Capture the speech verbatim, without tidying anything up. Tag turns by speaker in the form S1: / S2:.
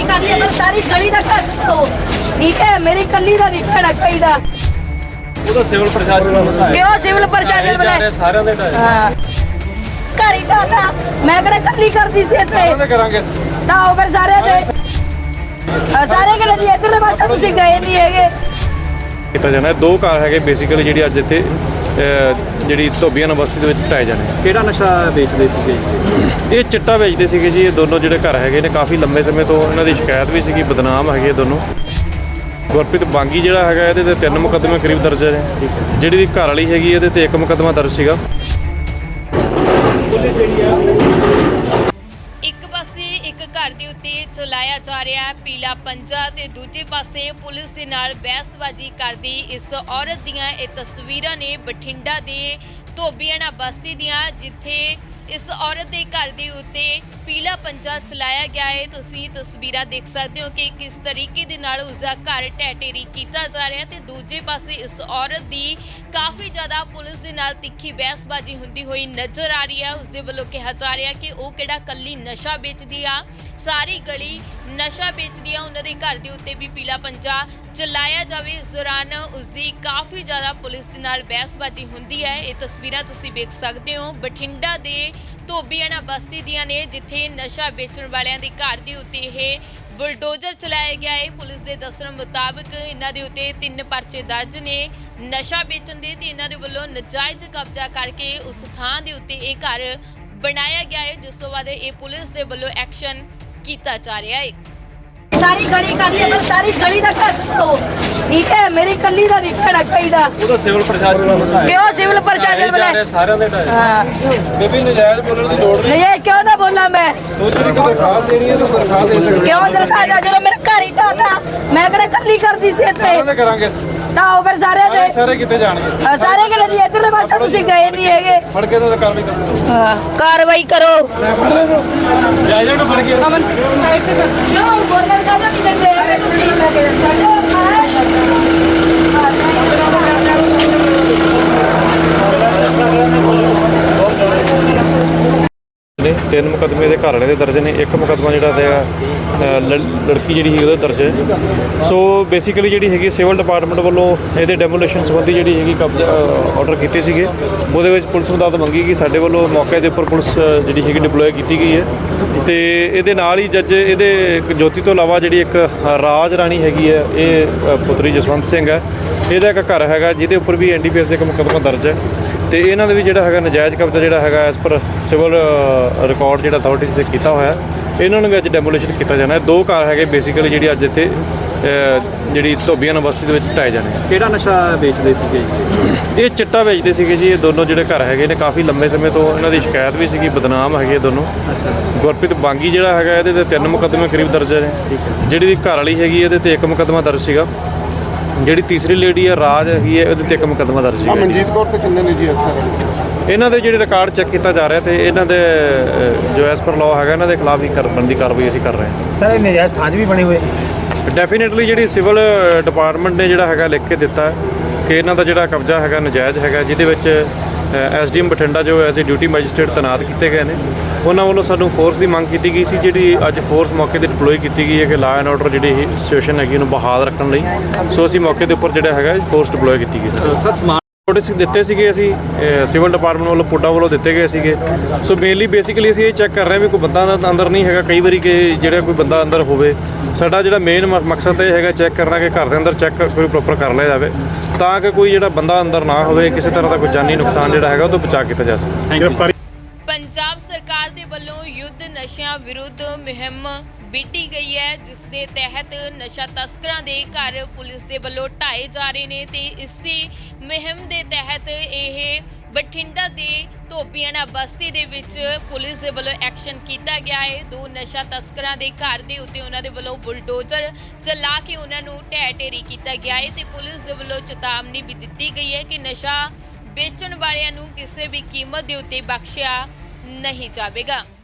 S1: गली कर दी मैं सारी गली का कर दो ठीक है मेरी कली का नहीं कहना चाहिए
S2: ਉਹਦਾ ਸਿਵਲ ਪ੍ਰਸ਼ਾਸਨ ਨੂੰ ਪਤਾ ਹੈ
S1: क्यों सिविल प्रशासन वाले
S2: ਸਾਰਿਆਂ ਦੇ ਢਾਏ
S1: हाँ घर ही था मैं कहना कली कर दी सी इतने
S2: ਸਾਰਿਆਂ ਦੇ ਕਰਾਂਗੇ
S1: ਤਾਂ ਉਹ ਫਿਰ ਸਾਰੇ ਦੇ ਸਾਰੇ ਕਿਹੜੇ ਦੀ ਇੱਧਰਲੇ ਪਾਸੇ ਤੁਸੀਂ ਗਏ ਨਹੀਂ ਹੈਗੇ
S3: ਕੀਤਾ ਜਾਣਾ ਹੈ। ਦੋ ਘਰ ਹੈਗੇ ਬੇਸਿਕਲੀ ਜਿਹੜੀ ਅੱਜ ਇੱਥੇ ਅਹ, ਜਿਹੜੀ ਧੋਬੀਆਂ ਬਸਤੀ ਦੇ ਵਿੱਚ ਢਾਏ ਜਾਣੇ।
S2: ਕਿਹੜਾ ਨਸ਼ਾ ਵੇਚਦੇ ਸੀਗੇ
S3: ਇਹ ਚਿੱਟਾ ਵੇਚਦੇ ਸੀਗੇ ਜੀ। ਇਹ ਦੋਨੋਂ ਜਿਹੜੇ ਘਰ ਹੈਗੇ ਨੇ ਕਾਫੀ ਲੰਬੇ ਸਮੇਂ ਤੋਂ ਇਹਨਾਂ ਦੀ ਸ਼ਿਕਾਇਤ ਵੀ ਸੀਗੀ, ਬਦਨਾਮ ਹੈਗੇ ਦੋਨੋਂ। ਗੁਰਪ੍ਰੀਤ ਬਾਂਗੀ ਜਿਹੜਾ ਹੈਗਾ ਇਹਦੇ ਤੇ ਤਿੰਨ ਮੁਕੱਦਮੇ ਕਰੀਬ ਦਰਜ ਨੇ। ਜਿਹੜੀ ਦੀ ਘਰ ਵਾਲੀ ਹੈਗੀ ਇਹਦੇ ਤੇ ਇੱਕ ਮੁਕੱਦਮਾ ਦਰਜ ਸੀਗਾ।
S4: ਇੱਕ ਪਾਸੇ ਇੱਕ ਘਰ ਦੇ ਉੱਤੇ ਚਲਾਇਆ ਜਾ ਰਿਹਾ ਹੈ ਪੀਲਾ ਪੰਜਾ ਤੇ ਦੂਜੇ ਪਾਸੇ ਪੁਲਿਸ ਦੇ ਨਾਲ ਬਹਿਸਬਾਜ਼ੀ ਕਰਦੀ ਇਸ ਔਰਤ ਦੀਆਂ ਇਹ ਤਸਵੀਰਾਂ ਨੇ ਬਠਿੰਡਾ ਦੇ ਧੋਬੀਆਣਾ ਬਸਤੀ ਦੀਆਂ, ਜਿੱਥੇ ਇਸ ਔਰਤ ਦੇ ਘਰ ਦੇ ਉੱਤੇ ਪੀਲਾ ਪੰਜਾ ਚਲਾਇਆ ਗਿਆ ਹੈ। ਤੁਸੀਂ ਤਸਵੀਰਾਂ ਦੇਖ ਸਕਦੇ ਹੋ ਕਿ ਕਿਸ ਤਰੀਕੇ ਦੇ ਨਾਲ ਉਸਦਾ ਘਰ ਢਹਿ ਢੇਰੀ ਕੀਤਾ ਜਾ ਰਿਹਾ ਤੇ ਦੂਜੇ ਪਾਸੇ ਇਸ ਔਰਤ ਦੀ ਕਾਫੀ ਜ਼ਿਆਦਾ ਪੁਲਿਸ ਦੇ ਨਾਲ ਤਿੱਖੀ ਬਹਿਸਬਾਜ਼ੀ ਹੁੰਦੀ ਹੋਈ ਨਜ਼ਰ ਆ ਰਹੀ ਹੈ। ਉਸਦੇ ਵੱਲੋਂ ਕਿਹਾ ਜਾ ਰਿਹਾ ਕਿ ਉਹ ਕਿਹੜਾ ਕੱਲੀ ਨਸ਼ਾ ਵੇਚਦੀ ਆ, ਸਾਰੀ ਗਲੀ ਨਸ਼ਾ ਵੇਚਦੀ ਆ, ਉਹਨਾਂ ਦੇ ਘਰ ਦੇ ਉੱਤੇ ਵੀ ਪੀਲਾ ਪੰਜਾ ਚਲਾਇਆ ਜਾਵੇ। ਇਸ ਦੌਰਾਨ ਉਸਦੀ ਕਾਫੀ ਜ਼ਿਆਦਾ ਪੁਲਿਸ ਦੇ ਨਾਲ ਬਹਿਸਬਾਜ਼ੀ ਹੁੰਦੀ ਹੈ। ਇਹ ਤਸਵੀਰਾਂ ਤੁਸੀਂ ਵੇਖ ਸਕਦੇ ਹੋ ਬਠਿੰਡਾ ਦੇ ਧੋਬੀਆਣਾ ਬਸਤੀ ਦੀਆਂ ਨੇ, ਜਿੱਥੇ ਨਸ਼ਾ ਵੇਚਣ ਵਾਲਿਆਂ ਦੇ ਘਰ ਦੇ ਉੱਤੇ ਇਹ ਬੁਲਡੋਜ਼ਰ ਚਲਾਇਆ ਗਿਆ ਹੈ। ਪੁਲਿਸ ਦੇ ਦੱਸਣ ਮੁਤਾਬਕ ਇਹਨਾਂ ਦੇ ਉੱਤੇ ਤਿੰਨ ਪਰਚੇ ਦਰਜ ਨੇ ਨਸ਼ਾ ਵੇਚਣ ਦੇ ਤੇ ਇਹਨਾਂ ਦੇ ਵੱਲੋਂ ਨਜਾਇਜ਼ ਕਬਜ਼ਾ ਕਰਕੇ ਉਸ ਥਾਂ ਦੇ ਉੱਤੇ ਇਹ ਘਰ ਬਣਾਇਆ ਗਿਆ ਹੈ, ਜਿਸ ਤੋਂ ਬਾਅਦ ਇਹ ਪੁਲਿਸ ਦੇ ਵੱਲੋਂ ਐਕਸ਼ਨ ਕੀਤਾ ਜਾ ਰਿਹਾ ਹੈ।
S1: ਸਾਰੀ ਗਲੀ ਕਰ दी मैं सारी गली का कर दो ठीक है मेरी कली का नहीं कहना चाहिए
S2: ਉਹਦਾ ਸਿਵਲ ਪ੍ਰਸ਼ਾਸਨ ਨੂੰ ਪਤਾ ਹੈ
S1: क्यों सिविल प्रशासन वाले
S2: ਸਾਰਿਆਂ ਦੇ ਢਾਏ
S1: हाँ
S2: ਬੇਬੀ ਨਜਾਇਜ਼ ਬੋਲਣ ਦੀ ਲੋੜ ਨਹੀਂ।
S1: नहीं ये क्यों ना बोला मैं
S2: ਤੂੰ ਜਿਹੜੀ ਕੋਈ ਦਰਖਾਸਤ ਦੇਣੀ ਹੈ ਤੂੰ ਦਰਖਾਸਤ ਦੇ ਸਕਦੀ
S1: क्यों दरखास्त जो मेरा घर ही था मैं कहना कली कर दी सी इतने
S2: ਸਾਰਿਆਂ ਦੇ ਕਰਾਂਗੇ
S1: ਤਾਂ ਉਹ ਫਿਰ ਸਾਰੇ ਦੇ
S2: ਸਾਰੇ ਕਿੱਥੇ ਜਾਣਗੇ
S1: ਸਾਰੇ ਕਿਹੜੇ ਦੀ ਇੱਧਰਲੇ ਪਾਸੇ ਤੁਸੀਂ ਗਏ ਨਹੀਂ ਹੈਗੇ
S2: ਫੜ ਕੇ ਤਾਂ ਕਾਰਵਾਈ ਕਰੋ।
S1: ਹਾਂ ਕਾਰਵਾਈ ਕਰੋ
S2: ਜਾਇਜ਼ ਨੂੰ ਫੜ ਕੇ
S1: ਅਮਨ ਸਾਈਡ ਤੇ ਕਿਉਂ ਬੋਲਣ ਦਾ ਨਹੀਂ ਦਿੰਦੇ ਹੈਗੇ ਤੁਸੀਂ
S3: ਨੇ ਤਿੰਨ ਮੁਕੱਦਮੇ ਦੇ ਘਰ ਵਾਲੇ ਦੇ ਦਰਜ ਨੇ। ਇੱਕ ਮੁਕੱਦਮਾ ਜਿਹੜਾ ਹੈਗਾ ਲੜਕੀ ਜਿਹੜੀ ਸੀ ਉਹਦਾ ਦਰਜ ਹੈ। ਸੋ ਬੇਸਿਕਲੀ ਜਿਹੜੀ ਹੈਗੀ ਸਿਵਲ ਡਿਪਾਰਟਮੈਂਟ ਵੱਲੋਂ ਇਹਦੇ ਡੈਮੋਲੇਸ਼ਨ ਸੰਬੰਧੀ ਜਿਹੜੀ ਹੈਗੀ ਕਬਜ਼ਾ ਆਰਡਰ ਕੀਤੇ ਸੀਗੇ। ਉਹਦੇ ਵਿੱਚ ਪੁਲਿਸ ਮਦਦ ਮੰਗੀ ਕਿ ਸਾਡੇ ਵੱਲੋਂ ਮੌਕੇ ਦੇ ਉੱਪਰ ਪੁਲਿਸ ਜਿਹੜੀ ਹੈਗੀ ਡਿਪਲੋਏ ਕੀਤੀ ਗਈ ਹੈ ਤੇ ਇਹਦੇ ਨਾਲ ਹੀ ਜੱਜ ਇਹਦੇ ਜੋਤੀ ਤੋਂ ਇਲਾਵਾ ਜਿਹੜੀ ਇੱਕ ਰਾਜ ਰਾਣੀ ਹੈਗੀ ਹੈ, ਇਹ ਪੁੱਤਰੀ ਜਸਵੰਤ ਸਿੰਘ ਹੈ, ਇਹਦਾ ਇੱਕ ਘਰ ਹੈਗਾ ਜਿਹਦੇ ਉੱਪਰ ਵੀ ਐਨ ਡੀ ਪੀ ਐਸ ਦੇ ਇੱਕ ਮੁਕੱਦਮਾ ਦਰਜ ਹੈ ਤੇ ਇਹਨਾਂ ਦੇ ਵੀ ਜਿਹੜਾ ਹੈਗਾ ਨਜਾਇਜ਼ ਕਬਜ਼ਾ ਜਿਹੜਾ ਹੈਗਾ ਐਸ ਪਰ ਸਿਵਲ ਰਿਕਾਰਡ ਜਿਹੜਾ ਅਥਾਰਟੀਜ਼ ਤੇ ਕੀਤਾ ਹੋਇਆ, ਇਹਨਾਂ ਨੂੰ ਵੀ ਅੱਜ ਡੈਮੋਲੇਸ਼ਨ ਕੀਤਾ ਜਾਣਾ ਹੈ। ਦੋ ਘਰ ਹੈਗੇ ਬੇਸਿਕਲੀ ਜਿਹੜੀ ਅੱਜ ਇੱਥੇ ਜਿਹੜੀ ਧੋਬੀਆਣਾ ਬਸਤੀ ਦੇ ਵਿੱਚ ਢਾਏ ਜਾਣੇ।
S2: ਕਿਹੜਾ ਨਸ਼ਾ ਵੇਚਦੇ ਸੀਗੇ
S3: ਇਹ ਚਿੱਟਾ ਵੇਚਦੇ ਸੀਗੇ ਜੀ। ਇਹ ਦੋਨੋਂ ਜਿਹੜੇ ਘਰ ਹੈਗੇ ਨੇ ਕਾਫੀ ਲੰਬੇ ਸਮੇਂ ਤੋਂ ਇਹਨਾਂ ਦੀ ਸ਼ਿਕਾਇਤ ਵੀ ਸੀਗੀ, ਬਦਨਾਮ ਹੈਗੇ ਦੋਨੋਂ। ਗੁਰਪ੍ਰੀਤ ਬਾਂਗੀ ਜਿਹੜਾ ਹੈਗਾ ਇਹਦੇ ਤੇ ਤਿੰਨ ਮੁਕੱਦਮੇ ਕਰੀਬ ਦਰਜ ਨੇ। ਜਿਹੜੀ ਦੀ ਘਰ ਵਾਲੀ ਹੈਗੀ ਇਹਦੇ ਤੇ ਇੱਕ ਮੁਕੱਦਮਾ ਦਰਜ ਸੀਗਾ। ਜਿਹੜੀ ਤੀਸਰੀ ਲੇਡੀ ਹੈ ਰਾਜ ਹੈਗੀ ਹੈ, ਉਹਦੇ ਤੇ ਇੱਕ ਮੁਕੱਦਮਾ ਦਰਜ ਸੀਗਾ।
S5: ਮਨਜੀਤ ਕੌਰ ਤੇ ਕਿੰਨੇ ਨੇ ਜੀ ਇਸ ਤਰ੍ਹਾਂ
S3: ਇਹਨਾਂ ਦੇ ਜਿਹੜੇ ਰਿਕਾਰਡ ਚੈੱਕ ਕੀਤਾ ਜਾ ਰਿਹਾ ਤੇ ਇਹਨਾਂ ਦੇ ਅ, ਜੋ ਐਸ ਪਰ ਲਾਅ ਹੈਗਾ ਇਹਨਾਂ ਦੇ ਖਿਲਾਫ ਹੀ ਕਰਨ ਦੀ ਕਾਰਵਾਈ ਅਸੀਂ ਕਰ ਰਹੇ ਹਾਂ।
S5: ਸਰ ਇਹ ਨਜਾਇਜ਼ ਥਾਂ ਵੀ ਬਣੇ ਹੋਏ
S3: ਡੈਫੀਨੇਟਲੀ ਜਿਹੜੀ ਸਿਵਲ ਡਿਪਾਰਟਮੈਂਟ ਨੇ ਜਿਹੜਾ ਹੈਗਾ ਲਿਖ ਕੇ ਦਿੱਤਾ ਹੈ ਕਿ ਇਹਨਾਂ ਦਾ ਜਿਹੜਾ ਕਬਜ਼ਾ ਹੈਗਾ ਨਜਾਇਜ਼ ਹੈਗਾ, ਜਿਹਦੇ ਵਿੱਚ ਐਸ ਡੀ ਐਮ ਬਠਿੰਡਾ ਜੋ ਐਜ਼ ਏ ਡਿਊਟੀ ਮੈਜਿਸਟਰੇਟ ਤੈਨਾਤ ਕੀਤੇ ਗਏ ਨੇ। ਉਹਨਾਂ ਵੱਲੋਂ ਸਾਨੂੰ ਫੋਰਸ ਦੀ ਮੰਗ ਕੀਤੀ ਗਈ ਸੀ, ਜਿਹੜੀ ਅੱਜ ਫੋਰਸ ਮੌਕੇ ਤੇ ਡਿਪਲੋਏ ਕੀਤੀ ਗਈ ਹੈ ਕਿ ਲਾਅ ਐਂਡ ਆਰਡਰ ਜਿਹੜੀ ਸਿਚੁਏਸ਼ਨ ਹੈਗੀ ਉਹਨੂੰ ਬਹਾਲ ਰੱਖਣ ਲਈ। ਸੋ ਅਸੀਂ ਮੌਕੇ ਦੇ ਉੱਪਰ ਜਿਹੜਾ ਹੈਗਾ ਫੋਰਸ ਡਿਪਲੋਏ ਕੀਤੀ ਗਈ।
S2: ਸਰ ਸਮਾਨ
S3: ਨੋਟਿਸ ਦਿੱਤੇ ਸੀਗੇ ਅਸੀਂ ਸਿਵਲ ਡਿਪਾਰਟਮੈਂਟ ਵੱਲੋਂ, ਪੁੱਡਾ ਵੱਲੋਂ ਦਿੱਤੇ ਗਏ ਸੀਗੇ। ਸੋ ਮੇਨਲੀ ਬੇਸਿਕਲੀ ਅਸੀਂ ਇਹ ਚੈੱਕ ਕਰ ਰਹੇ ਹਾਂ ਵੀ ਕੋਈ ਬੰਦਾ ਅੰਦਰ ਨਹੀਂ ਹੈਗਾ। ਕਈ ਵਾਰੀ ਕਿ ਜਿਹੜਾ ਕੋਈ ਬੰਦਾ ਅੰਦਰ ਹੋਵੇ, ਸਾਡਾ ਜਿਹੜਾ ਮੇਨ ਮਕਸਦ ਇਹ ਹੈਗਾ ਚੈੱਕ ਕਰਨਾ ਕਿ ਘਰ ਦੇ ਅੰਦਰ ਚੈੱਕ ਕੋਈ ਪ੍ਰੋਪਰ ਕਰ ਲਿਆ ਜਾਵੇ ਤਾਂ ਕਿ ਕੋਈ ਜਿਹੜਾ ਬੰਦਾ ਅੰਦਰ ਨਾ ਹੋਵੇ, ਕਿਸੇ ਤਰ੍ਹਾਂ ਦਾ ਕੋਈ ਜਾਨੀ ਨੁਕਸਾਨ ਜਿਹੜਾ ਹੈਗਾ ਉਹ ਤੋਂ ਬਚਾ ਕੀਤਾ ਜਾ ਸਕੇ।
S5: ਗ੍ਰਿਫਤਾਰੀ
S4: ਪੰਜਾਬ ਸਰਕਾਰ ਦੇ ਵੱਲੋਂ ਯੁੱਧ ਨਸ਼ਿਆਂ ਵਿਰੁੱਧ ਮੁਹਿੰਮ ਵਿੱਢੀ ਗਈ ਹੈ, ਜਿਸ ਦੇ ਤਹਿਤ ਨਸ਼ਾ ਤਸਕਰਾਂ ਦੇ ਘਰ ਪੁਲਿਸ ਦੇ ਵੱਲੋਂ ਢਾਏ ਜਾ ਰਹੇ ਨੇ ਤੇ ਇਸੇ ਮੁਹਿੰਮ ਦੇ ਤਹਿਤ ਇਹ ਬਠਿੰਡਾ ਦੇ ਧੋਬੀਆਣਾ ਬਸਤੀ ਦੇ ਵਿੱਚ ਪੁਲਿਸ ਦੇ ਵੱਲੋਂ ਐਕਸ਼ਨ ਕੀਤਾ ਗਿਆ ਹੈ। ਦੋ ਨਸ਼ਾ ਤਸਕਰਾਂ ਦੇ ਘਰ ਦੇ ਉੱਤੇ ਉਹਨਾਂ ਦੇ ਵੱਲੋਂ ਬੁਲਡੋਜ਼ਰ ਚਲਾ ਕੇ ਉਹਨਾਂ ਨੂੰ ਢਹਿ ਢੇਰੀ ਕੀਤਾ ਗਿਆ ਹੈ ਤੇ ਪੁਲਿਸ ਦੇ ਵੱਲੋਂ ਚੇਤਾਵਨੀ ਵੀ ਦਿੱਤੀ ਗਈ ਹੈ ਕਿ ਨਸ਼ਾ ਵੇਚਣ ਵਾਲਿਆਂ ਨੂੰ ਕਿਸੇ ਵੀ ਕੀਮਤ ਦੇ ਉੱਤੇ ਬਖਸ਼ਿਆ ਨਹੀਂ ਜਾਵੇਗਾ।